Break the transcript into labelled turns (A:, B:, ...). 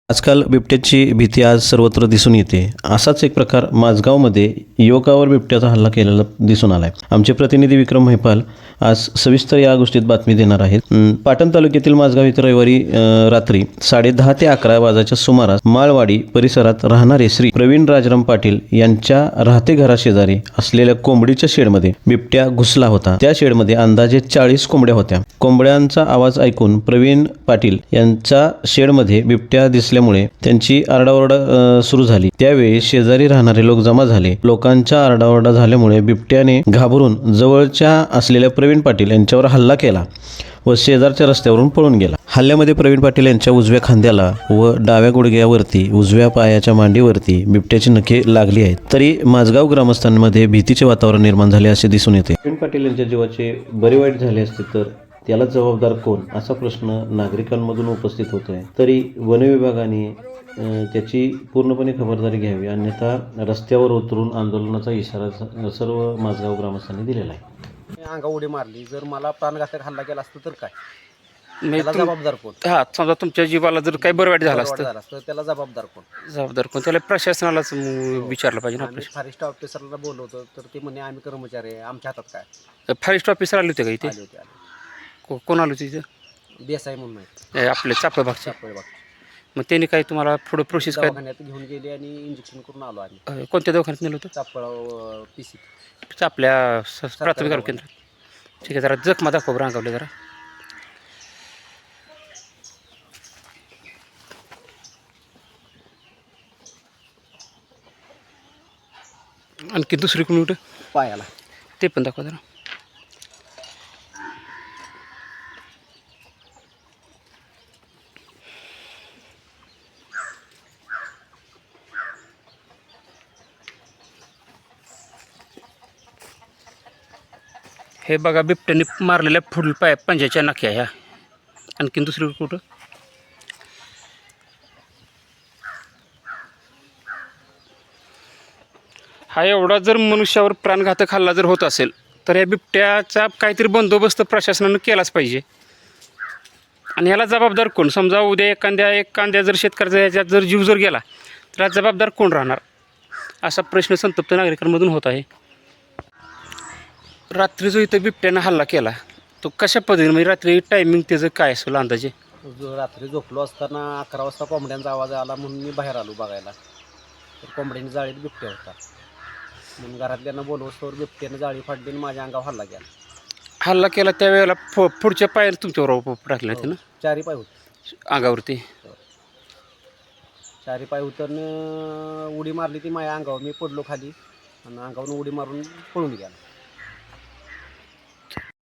A: आजकाल बिबट्याची भीती आज सर्वत्र दिसून येते. असाच एक प्रकार माझगावमध्ये युवकावर बिबट्याचा हल्ला केलेला दिसून आलाय. आमचे प्रतिनिधी विक्रम महिपाल आज सविस्तर या गोष्टीत बातमी देणार आहेत. पाटण तालुक्यातील माझगाव इथं रविवारी रात्री 10:30 ते 11 वाजाच्या सुमारास माळवाडी परिसरात राहणारे श्री प्रवीण राजाराम पाटील यांच्या राहते घराशेजारी असलेल्या कोंबडीच्या शेडमध्ये बिबट्या घुसला होता. त्या शेडमध्ये अंदाजे 40 कोंबड्या होत्या. कोंबड्यांचा आवाज ऐकून प्रवीण पाटील यांच्या शेडमध्ये बिबट्या दिसल्यामुळे त्यांची आरडाओरडा सुरू झाली. त्यावेळी शेजारी राहणारे लोक जमा झाले. लोकांच्या आरडाओरडा झाल्यामुळे बिबट्याने घाबरून जवळच्या असलेल्या प्रवीण पाटील यांच्यावर हल्ला केला व शेजारच्या रस्त्यावरून पळून गेला. हल्ल्यामध्ये प्रवीण पाटील यांच्या उजव्या खांद्याला व डाव्या गुडघ्यावरती, उजव्या पायाच्या मांडीवरती बिबट्याची नखे लागली आहेत. तरी माझगाव ग्रामस्थांमध्ये भीतीचे वातावरण निर्माण झाले असे दिसून येते. प्रवीण पाटील यांच्या जीवाचे बरे वाईट झाले असते तर त्याला जबाबदार कोण, असा प्रश्न नागरिकांमधून उपस्थित होतोय. तरी वन विभागाने त्याची पूर्णपणे खबरदारी घ्यावी, अन्यथा रस्त्यावर उतरून आंदोलनाचा इशारा सर्व माझगाव ग्रामस्थांनी दिलेला आहे.
B: अंगा उडी मारली, जर मला प्राणघातक हल्ला केला असता तर काय, त्याला जबाबदार कोण?
C: हा, समजा तुमच्या जीवाला जर काही बरं वाईट झालं असतं,
B: त्याला जबाबदार कोण?
C: जबाबदार कोण? त्याला प्रशासनालाच विचारलं पाहिजे ना.
B: फॉरेस्ट ऑफिसरला बोलवतो तर ते म्हणे आम्ही कर्मचारी आहे, आमच्या हातात काय.
C: फॉरेस्ट ऑफिसर आले होते का इथे?
B: आले होते.
C: कोण आले होते इथं?
B: देसाई म्हणून आहे
C: आपले चापळ भागचे.
B: चापोळे बाग.
C: मग त्यांनी काही तुम्हाला पुढे प्रोसेस काय?
B: दवाखान्यात घेऊन गेले आणि इंजेक्शन करून आलो आम्ही.
C: कोणत्या दवाखान्यात नेलं होतं?
B: चापळ PC.
C: आपल्या प्राथमिक आरोग्य केंद्रात. ठीक आहे, जरा जखमा दाखव रांगावले जरा. आणखी दुसरी कोणी कुठं
B: पायाला
C: ते पण दाखवा जरा. हे बघा, बिबट्याने मारलेल्या फुल पंजाच्या नाक्या ह्या. आणखीन दुसरी कुठं? हा एवढा जर मनुष्यावर प्राणघातक हल्ला जर होत असेल तर या बिबट्याचा काहीतरी बंदोबस्त प्रशासनानं केलाच पाहिजे. आणि याला जबाबदार कोण? समजा उद्या एखाद्या जर शेतकऱ्याचा याच्यात जर जीव जर गेला तर हा जबाबदार कोण राहणार, असा प्रश्न संतप्त नागरिकांमधून होत आहे. रात्री जो इथं बिबट्यानं हल्ला केला तो कशा पद्धतीने, म्हणजे रात्री टायमिंग त्याचं काय असेल अंदाजे?
B: रात्री झोपलो असताना 11 वाजता कोंबड्यांचा आवाज आला म्हणून मी बाहेर आलो बघायला. तर कोंबड्यांनी जाळीत बिबट्या होता म्हणून घरातल्यांना बोलवस्तोवर बिबट्याने जाळी फाडली आणि माझ्या अंगावर हल्ला केला.
C: हल्ला केला त्यावेळेला पुढच्या पायाला तुमच्यावर टाकले होते ना?
B: 4 पाय होते
C: अंगावरती.
B: 4 पाय उतरनं उडी मारली ती माझ्या अंगावर. मी पडलो खाली आणि अंगावरून उडी मारून पळून गेला.